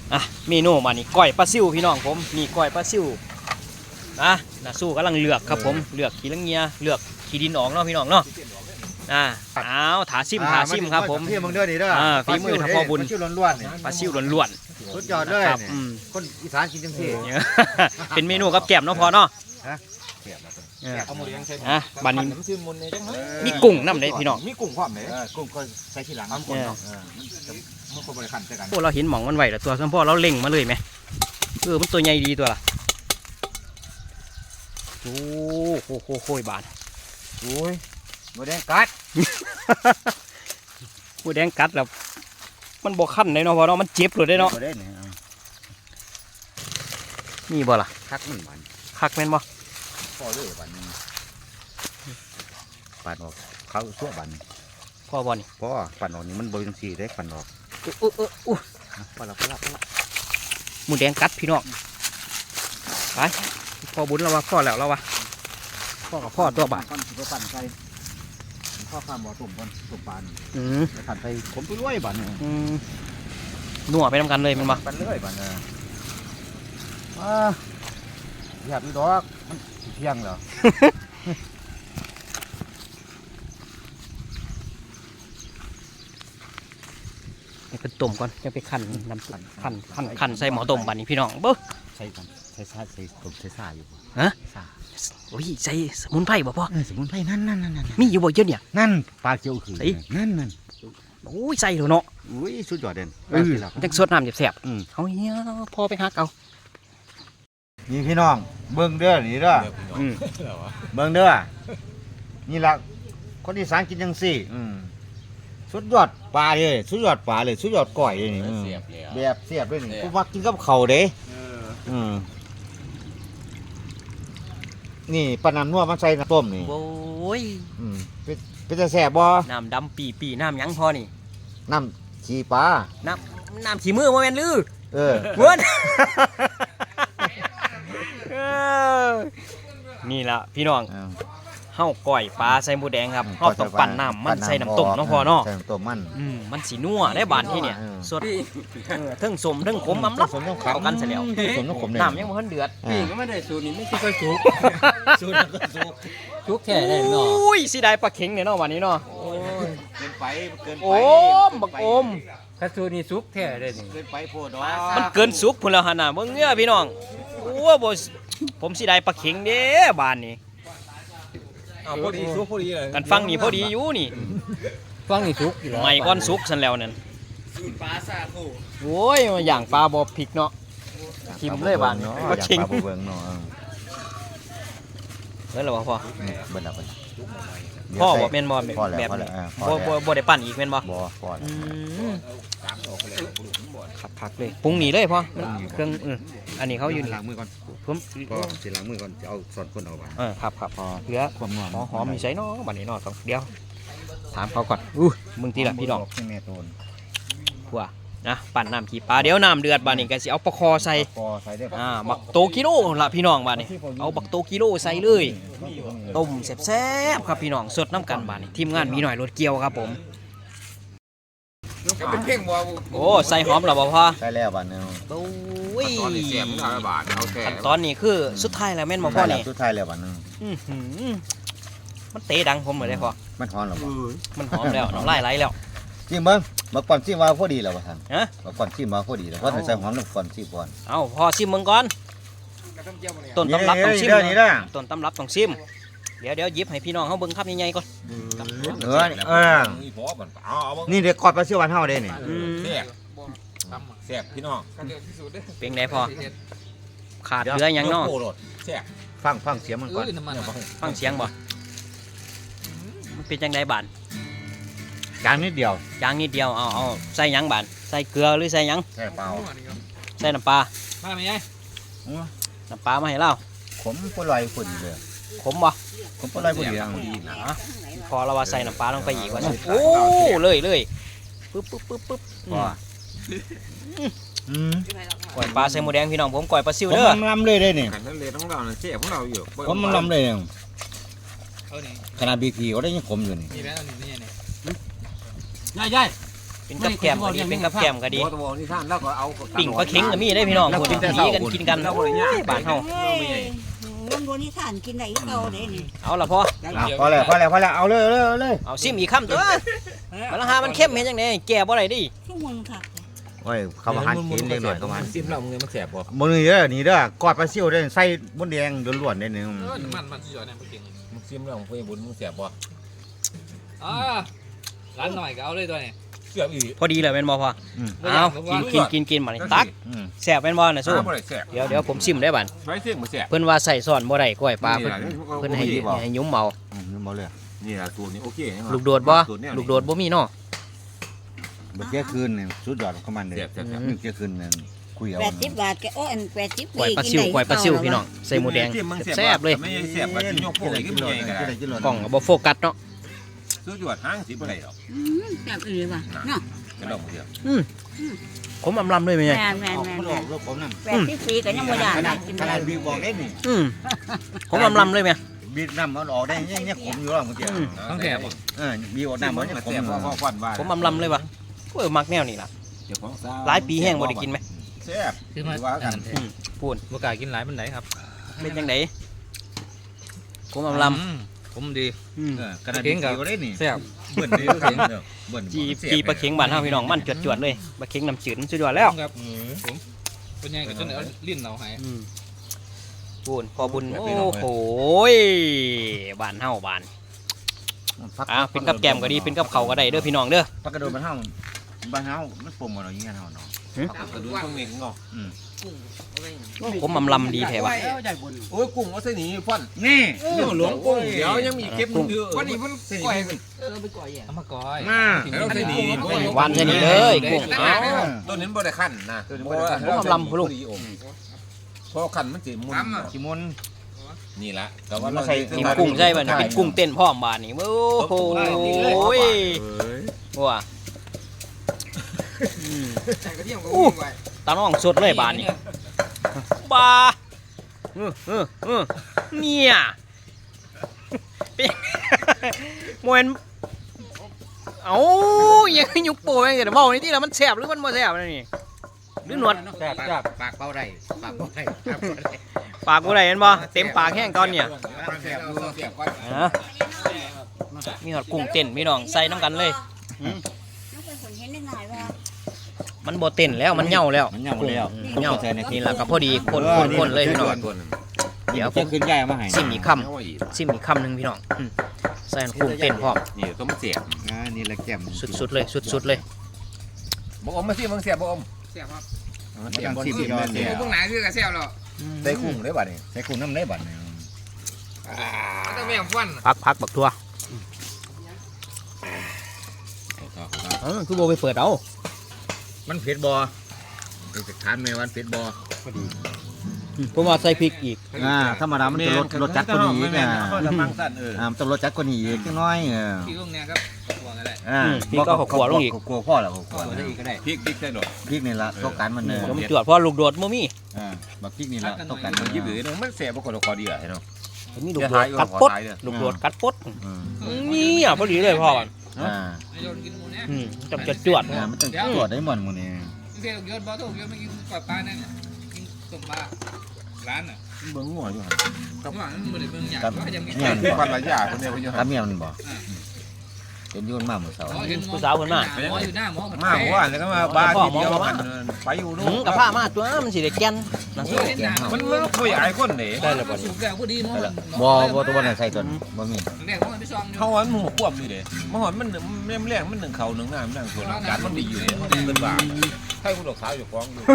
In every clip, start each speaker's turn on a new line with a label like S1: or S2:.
S1: อ่ะเมนูมานี่ก้อยปลาซิวพี่น้องผมนี่ก้อยปลาซิวนะสู้กำลังเลือกครับผมเลือกขี้ลังเงียเลือกขี้ดินออกเนาะพี่น้องเนาะเอาถาซิมครับผม
S2: พี่มึงเด้อนี่เด้อ
S1: ฝีมือทัพพ่อบุญปลาซิวล้วน
S2: ๆสุดยอดเลยคนอีสานกินจังซี่
S1: เป็นเมนูกับแกล้มเนาะพอเนาะบัดนี้มีกุ้งน้ำเลยพี่น้อง
S2: มีกุ้งความไหนกุ้งก็ใส่ทีหลังมันคนเนาะมันคนบริการใช่กัน
S1: โอ้เราเห็นหม่องมันไหวแต่ตัวสมพ่อเราเล็งมาเลยไหมมันตัวใหญ่ดีตัวละโอ้โหบาน
S2: โอ้ยหมูแดงกัด
S1: หมูแดงกัดแล้วมันบกขั้นเลยเนาะพอเนาะมันเจ็บเลยได้เนาะนี่บ่ล่ะ
S2: คักมันบาน
S1: คักแม่นบ่
S2: พ่อเลยบานปั่นออกเขาชั่วบาน
S1: พ่อบ่นี่
S2: พ่อปั่นออกนี่มันบริสุทธิ์ได้ปั่นออกพอละ
S1: หมูแดงกัดพี่น้องไปพ่อบุญเราว่าพ่อแล้วเราว่าพ่อกับพ่อตัวบาท
S2: ปั่นไปพ่อข้ามบ่อตุ่มก่อนตุ่มปานปั่นไปผมไปด้วยบานเนี่ย
S1: นัวไปทำกันเลยมันมา
S2: ปั่นเลยบานเนี่ยอยากมีดอกมันเที่ยงเหรอ
S1: เป็นต้มก่อนจะไปคั่นน้ำคั่นใส่หม้อต้มบานนี้พี่น้องเบ้อ
S2: ใส่ต้มใส่ซ่าอยู่
S1: ฮะโอ้ยใส่สมุนไพรบ่พ่อ
S2: สมุนไพรนั่น
S1: มีอยู่บ่เยอะเนี่ย
S2: นั่นปลาเจียวคือนั่น
S1: โอ้ยใส่เหรอเนาะ
S2: อุ้ยสุดยอดเด่น
S1: จังสดน้ำแสบเขาเนี้ยพอไปหักเอา
S2: นี่พี่น้องเบิ้งเด้อนี่เด้อเบิ้งเด้อนี่ละคนที่สานกินจังซี่สุดยอดปลาเลยสุดยอดปลาเลยสุดยอดก้อยเลยนี่แบบเสียบเลยนี่กูมักกินกับเข่าเด้นี่ปลาน้ำนัวมันใส่น้ำต้มนี่
S1: โอ้ย
S2: เป็นจะแสบบ่
S1: น้ำดำปีน้ำยังพอนี่
S2: น้ำขี้ปลา
S1: น้ำขี้มือมาแม่นลือเหมือนนี่ละพี่น้องเฮาก้อยปลาใส่หมูแดงครับเฮาต้องปั่นน้ำมันใส่น้ำต้มน้องพอเนาะ
S2: ใส่น้ำต้ม
S1: มันสีนัวได้บานที่เนี่ยสดทั้งสมทั้งขมล้ำเข้ากันเสร็จแล้วน้ำยังมันเดือด
S3: นี่ก็ไม่ได้สูตรนี้ไม่ใช่ก็สุกสูตรนั้นก็สุกแค่ได้เนาะ
S1: อุ้ยสิได้ปลาเข็งเนี่ยเนาะวันนี้เนาะ
S2: เกินไป
S1: โอมบักโอม
S3: ถ้าสูตรนี้สุกแค่ได้
S2: เกินไปโพด
S1: มันเกินสุกพุ่นแล้วหั่นน่ะเบิ่งเงี้ยพี่น้องโอ้บ่ผมสิได้ปลาเข็งเด้บ้านนี้
S3: พอดีสุกพอดีเลย
S1: กันฟังนี่พอดีอยู่นี่
S3: ฟังนี่สุกอยู่แล้ว
S1: ไม่ก้อนสุกซั่นแล้วนั่น
S3: ปลาซาโค
S1: โอ้ยอย่างปลาบ่พริกเนาะทิมเลยบ้าน
S2: ปลาเข็งเบิ่งเนาะ
S1: เฮ้ยแล้วบ่พ่อ
S2: เบิ่งแล้ว
S1: พ่อบ่แม่นบ่แบบบ่ได้ปั่นอีกแม่นบ่
S2: พอ
S1: ขับผักเลยปรุงนี่เลยพ่อเครื่องอันนี้เขาอยู่นี่
S2: ล้างมือก่อน
S1: ผม
S2: ก็สิล้างมือก่อนจะเอาส่วนคนเอาบ้าง
S1: ครับพอเหลือ
S2: ความนัว
S1: หอมมีใส่เนาะบัดนี้เนาะเดี๋ยวถามเขาก่อนมึงทีละพี่น้อง
S2: แม่โตน
S1: ผัวนะปั่นน้ำขี้ปลาเดี๋ยวน้ำเดือดบัดนี้ก็สิเอาปลาคอใส่บักโตกิโลละพี่น้องบัดนี้เอาบักโตกิโลใส่เลยต้มแซ่บๆครับพี่น้องสดน้ำกันบัดนี้ทีมงานมีหน่อยรถเกี่ยวครับผมโอ้ใส่หอมหรอบ่พ่อ
S2: ใส่แล้วบาทนึง
S1: โอ้ย
S2: ขั้
S1: นตอนนี้คือสุดท้ายแล้วแม่นบ่พ่อนี่
S2: สุดท้ายแล้วบาทนึง
S1: มันเตะดังผมเหมือนได้พ่อ
S2: มันหอมหรอ
S1: มันหอมแล้วน้ำลายไหลแล้ว
S2: จริงมั้งมาก่อนชิมมาพอดีแล้วบ่ท่านมาก่อนชิมมาพอดีแล้วเพราะใส่หอมลงก่อนชิมก่อน
S1: เอาพ่อชิมมึงก่อนต้นตำรับต้องชิมต้นตำรับต้องชิมเดี๋ยวยิบให้พี่น้องเขาเบิ้งครับใหญ่ๆก่อน
S2: นี่เด็กกอดปลาเชี่ยววันเท่าเด้นี่
S3: แซ่บพี่น้อง
S1: เป็นไงพอขาดเหลือยังเนาะ
S2: ฟังเสียงมันก่อน
S1: ฟังเสียงบ่มันเป็นจังไดบาน
S2: จางนิดเดียว
S1: เอาใส่ยังบานใส่เกลือหรือใส่ยัง
S2: ใส่เปล่า
S1: ใส่น้ำปลา
S3: มาไหมไง
S1: น้ำปลามาให้เรา
S2: ขมก็ลอยฝุ่นเลย
S1: ขมบ่
S2: ผมก็ลอยฝุ่นอย่าง
S1: พอเราว่าใส่น้ำปลาลงไปอีกว่าโอ้เลยปึ๊บก่อยปลาใส่หมูแดงพี่น้องผมก่อยปลาซิวเด้อ
S2: ผมลำเลยได้เนี่ย
S3: ขันทะเลของเราเนี่ยเจ๊ของเราอยู่
S2: ผมมันลำเลยเนี่ยขนาดบีพีก็ได้ยังขมอยู่นี่
S3: ใหญ่
S1: เป็นกับแกล้มก็ดีเป็นกับแกล้มก็ดี
S3: ตัวนี่ท่านแล้วก็เอา
S1: ปิ่งปลาเค็งก็มีได้พี่น้องคนหนีกันกินกันบ้านเฮา
S4: มันบนนิทานกินได้อีกเอาเด้นี่
S1: เอาละพ่อ
S2: พอแล้วเอาเลย
S1: เอาซิมอีกคำตัวมันราคามันเข้มเห็นจังได๋แก่บ่ได้ดิ
S4: ชั่วโมงค่ะ
S2: โอ้ยเขามาหันกินเล็กหน่อยเขามา
S3: ซิมแล้วมึงมันแสบบ่
S2: มื้อนี้เด้อนี่เด้อกอดปลาซิ่วได้ใส่บนแดงล้วนๆได้นึง
S5: มันสุดยอดเนี่ยเก่ง
S3: มึงซิมแล้วมึงไปบุญมึงแสบบ่
S5: ร้านหน่อยก็เอาเลยตัวนี้
S3: เสียบอีก
S1: พอดีเลยแม่นบ่พ่อเอากินบัดนี้ตักแซ่บแม่นบ่น่ะสู้
S3: บ่ได้แสบ
S1: เดี๋ยวผมซิมได้บัด
S3: ไว้เสียงบ่แสบ
S1: เพิ่นว่าใส่ซ่อนบ่ได้ก้อยปลาเพิ่นให้ยุ้มเมา
S2: นี่บ่เลย
S3: นี่ล่ะตัวนี้โอเค
S1: ลูกโดดบ่ลูกโดดบ่มีเนาะ
S2: บ่เที่ยคืนนี่สุดยอดของมันเด้
S3: แสบ
S2: นี่เที่ยคืนนั่นคุยเอา
S4: 80 บาทแกโอ้อัน80
S1: ก้อยปลาซิวพี่น้องใส่หมูแดงแซ่บเลย
S3: ไม่แสบก็สิยกพวกอีกไม่ใหญ่ก็ได้
S1: กล้องก็บ่โฟกัสเนาะ
S3: สุดยอดหางสิบ่ได้ดอก
S4: แซ่บอีหลีว่ะเนาะ
S3: กระดองเดียว
S1: ผมอำลำเลยแม่
S4: แม่
S1: ใหญ่
S4: น
S2: มันออกลูกผมนั่น
S4: 84ก็ยังบ่ได้นะกิน
S2: ขนาดบีบอกได้นี่
S1: ผมอำลำเลยแม่
S2: บีน้ำมันออกได้เนี่ยขมอยู่แล้วเมื่อกี้
S3: ทั้งแสบ
S2: บีออกน้ำมันเนี่ยขม
S3: แสบ
S2: อยู่
S3: พอฟันว่า
S1: ผมอำลำเลยว่ะโอ้ยมักแนวนี้ล่ะ
S3: เจ้าของซา
S1: หลายปีแห้งบ่ได้กินไหม
S3: แสบคือว่ากัน
S1: พูน
S5: บ่กล้ากินหลายมันไหนครับ
S1: เป็นจังไดผมอำล
S5: ผมดี
S1: ำ
S2: กระดาษบีบอกได้นี่
S5: แซ่บ
S2: เบิ่นนี่เบิ่น
S1: จีปลาเข็งบ้านเฮาพี่น้องมันจวดๆเลยปลาเข็งน้ำจืดมันสุดยอดแล้ว
S5: ครับผมเป็นยังไงกับจนเอาลิ้นเราหาย
S1: พูนพอบุญโอ้โหบ้านเฮาบ้านเป็นกับแกมก็ดีเป็นกับเขาก็ได้เด้อพี่น้องเด้อ
S2: พักกระโดดบ้านเฮามันปุ่มอะไรอย่างเงี้ยเฮาเนาะ
S3: กระดูกตรงนี้งอ
S1: ผมอำลำดีแท้ว่ะ
S3: โอ้ยกุ้งเอาเส้นนี้ฟัน
S2: นี่
S3: หลวงกุ้งเดี๋ยวยังมีเก็บอยู่วันนี้มันก่อย
S5: เอามาก้อย
S2: มา
S3: แล้วเส้นนี้
S1: วานเท่านี้เลยกุ้งเอา
S3: ต้นนี้บ่ได้ขั้นนะเพราะขั้นมันสิมุน
S2: ชิมุน
S3: นี่ละแต่ว่า
S1: ใส่กินกุ้งใช่ป่ะเป็นกุ้งเต้นพร้อมบ้านนี่โอ้โหว้าตาน้องสดเลยบ้านนี่บ้าเนี่ยโมเห็นเอ้ายังยุกโป้ยังจะบอกนี่ที่แล้วมันแสบหรือมันไม่แสบนี่หรือหนวด
S2: ปากเป้าได้ปากเป้าได้
S1: ปากกูไหนเห็นบ่เต็มปากแห้งตอนเนี่ยมีหอดกุ้งเต้นพี่น้องใส่น้ำกันเลย
S4: น้องเป็นคนเห็นได้ง่ายว่า
S1: มันบ่เต้นแล้วมันเหย่าแล้ว
S2: มันเหย่าแล้ว
S1: เหย่านี่แหละก็พอดีคนเลยพี่น้องเดี๋ยวผ
S2: จะ
S1: ม
S2: ขึ้นใหญ่มาให้
S1: ซิมอีกคำหนึ่งพี่น้องใส่กุ้งเต้นพร้อม
S3: นี่ต้องเสียบ
S2: นี่แหละแก้ม
S1: สุดๆเลยสุดๆเลย
S3: บ่อมมาสิมึงเสียบบ่อม
S5: แซ่บครับ
S2: มันต้องซิมยอดเนี่ย
S5: พวกไหนคือกระแซ่บหรอ
S3: ได้กุ้งได้บัดนี่
S2: ใส่กุ้งน้ำได้บัดเนี่ย
S5: ต้องแม่ฟัน
S1: พักบักทั่วคือโบไปเปิดเอา
S2: มันเผ็ดบ่จะทานไหมวันเผ็ดบ่
S1: ผมว่าใส่พริกอีก
S2: ธรรมดามันจะรสจัดกว่านี้อีก
S3: จะมังสั่น
S2: มันต้องรสจัดกว่านี้อีกจังน้อย
S5: พี่ลุงเนี่ยครับหัวกันได้
S1: พี่ก็ขวลงอีก
S2: กลัวพ่อแล้วกลัว
S5: ได้อีกก็ได้
S3: พริกใส่ดอก
S2: พริกนี่ละต้องการมันเนย
S1: ผมจวดเพราะลูกโดดบ่มี
S2: บักพริกนี่ละต้องการ
S3: มั
S2: มัน น
S3: ยิบหรือมันเสียบบ่ก็คอดีอ่ะเนาะ
S1: มีลูกโดดกัดปดลูกโดดกัดปดนี่อ่ะพอดีเลยพ่อมัน
S5: โยนกินหมูเนี่ย
S1: จับจวด
S2: มันต้องตรวจได้หมดมื้อนี้
S5: เสียโยนบ่ถูกโยนไม่กินปลาปลาเนี่ยกินต้มปลาร้านอ่ะ
S3: เบิ่งงัวอยู่หั่น
S5: ข้างหลังมันบ่ได้เบิ่งหยังว่าจะมี
S2: เนี่ย
S3: พันละยาคนเดียวอยู่
S2: ตาเมียมันบ่เป็นยุ่นมากมื้อเช้า
S5: เห็นผู้สาวขึ้นมาหมออยู่หน้าหมอ
S3: มาว่าแล้วก็มาบ้านที่เดียวกันไปอยู่นู่น
S1: กับผ้ามาตัวมันสิได้แก่นนะ
S5: เห็นหน้า
S3: มันคุยไอ้คนนี่
S5: ได้แล้วบ่สุกแล้วพอดีเนาะ
S2: บ่ตัวนั้นใส่ตัวบ่มี
S5: แรกมันไปซ่อมอยู่
S3: เขาวันหมูควบนี่เด้มันหอนมันแม่แรงมันหนึ่งเขาหนึ่งน้ำนั่งส่วนการมันดีอยู่เนี่ยมันเป็นบ้าให้คุณดอกสาวอยู่ฟ้องอยู่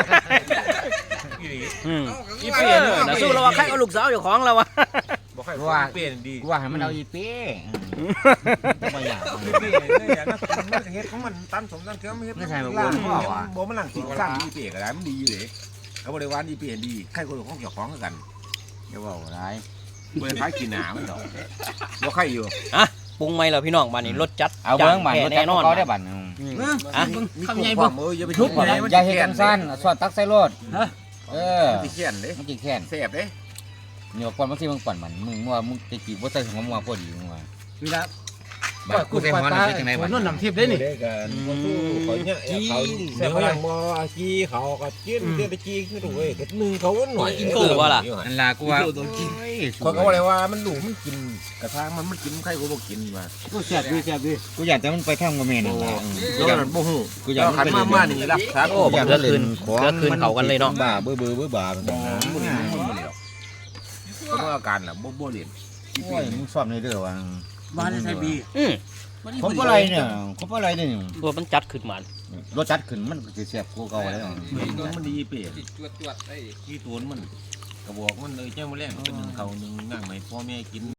S3: อีเปลี่ยนเลย
S1: นะสู้เราว่าใครเอาลูกสาวอยู่ของเราวะ
S3: บอกให้เปลี่ยนดี
S2: กูว่าให้มันเอาอีเป้บ่อยาก
S3: เปลี่ยนเลยอย่างนั้นมันเฮ็ดของมันตั้มสมตั้งเชื่อไม่เฮ็ดบ่มันหลังกินซ้ำอีเปลี่ยนก็ได้มันดีอยู่เลยเอาบริวารอีเปลี่ยนดีใครคนของเกี่ยวของกัน
S2: อย่าเว้าร้าย
S3: เมื่อคล้ายกินหนามันดอกบ่ใครอยู่
S1: ปรุงไหมเราพี่น้องบ้านนี้รสจัด
S2: เอาเบิ่งบัดรถจั
S1: แน่
S2: กร
S1: นอน
S2: เขาได้บัด
S3: ทำไงบ่อย่าไปทุบ
S2: อย่าเฮ็ดกันสั้นสอดตักใส่รถมัน
S3: สิเขียนเด้
S2: สิแค้น
S3: เสียบเด้
S2: เหนียวก่อนมันสิมึงปั่นมันมึงว่ามึงจะจีบบ่ใส่หัวมึงว่าพอดีมึงว่า
S3: นี่ละ
S2: กูใส่หอนเป็นจังได๋บ่
S6: นวลน้ำทิพย์ได้นี่
S3: ได้กันบ่สู้เขาเนี่ยเขาเดี๋ยวยังบ่กี้เขาก็กินเดี๋ยวไปกี้คือถูกเว้ยเฮ็ดมือเขาหน่อย
S2: นั่นล่ะกูว่า
S3: คนก็บ่ได้ว่ามันดูมันกินกระทางมันกินใครก็บ่กินว่า
S6: กูแซ่บดี
S2: กูอยากแต่มันไปทำกับแม่นั่นล่ะ
S3: แล้วมันบ่ฮู้
S2: กูอยาก
S3: ขันมานี่รักษา
S1: โอ้บักเดือคืนเขากันเลยเนาะ
S2: บ้าเบื่อบ้าแบบ
S3: บ่
S2: นั้น
S3: บ่ได้หรอกก็อาการล่ะบ่เล่น
S2: โอ้ยมึงซ่อมในเด้อว่า
S6: บ้านใส่บี
S2: ผมอะไรเนี่ยผมอะไรเนี่ย
S1: ตัวมันจัดขึ้นมาร
S2: สจัดขึ้นมันสิแซ่บกว่าเก่าแล้ว
S3: มันดีเป๊ะ
S5: จวดๆได้
S3: ที่ตัวมันกระบอกมันเลยเจ้ามาแรงเป็นหนึ่งเขาหนึ่งนั่งไหมพ่อแม่กิน